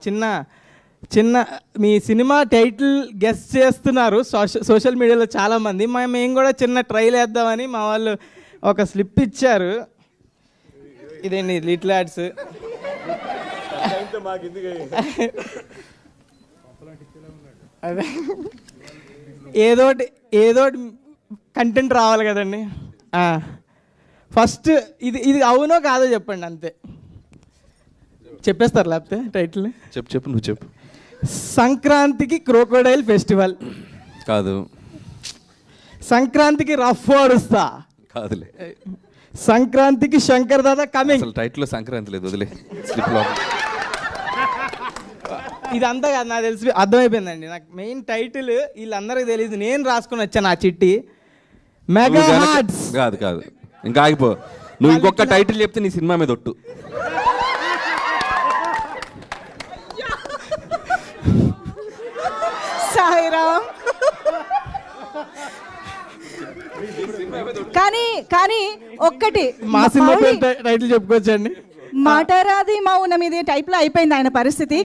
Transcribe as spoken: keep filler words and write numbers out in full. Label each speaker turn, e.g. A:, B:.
A: చిన్న చిన్న మీ సినిమా టైటిల్ గెస్ చేస్తున్నారు సోషల్ సోషల్ మీడియాలో చాలామంది. మా మేము కూడా చిన్న ట్రైల్ వేద్దామని మా వాళ్ళు ఒక స్లిప్ ఇచ్చారు. ఇదేంటి లిటిల్ యాడ్స్. అదే ఏదోటి ఏదోటి కంటెంట్ రావాలి కదండి. ఫస్ట్ ఇది ఇది అవునో కాదో చెప్పండి, అంతే. చెప్పేస్తారు లేకపోతే టైటిల్.
B: చెప్పు చెప్పు నువ్వు చెప్పు.
A: సంక్రాంతికి క్రోకోడైల్ ఫెస్టివల్
B: కాదు.
A: సంక్రాంతికి రఫ్ ఆడుస్తా
B: కాదులే.
A: సంక్రాంతికి శంకర్ దాదా కమింగ్.
B: అసలు టైటిల్లో సంక్రాంతి లేదు, వదిలే. స్లిప్లో
A: ఇదంతా కాదు, నాకు తెలిసి అర్థమైపోయిందండి. నాకు మెయిన్ టైటిల్ వీళ్ళందరికీ తెలియదు, నేను రాసుకుని వచ్చాను ఆ చిట్టి. Mega hearts.
B: కాదు కాదు, ఇంకా ఆగిపో. నువ్వు ఇంకొక టైటిల్ చెప్తే నీ సినిమా మీద ఒట్టు.
C: సాయిరామ్. కానీ కానీ ఒక్కటి
A: మా సినిమా టైటిల్ చెప్పుకోవచ్చండి.
C: మాటరాది మౌనం ఇది టైప్ లో అయిపోయింది ఆయన పరిస్థితి.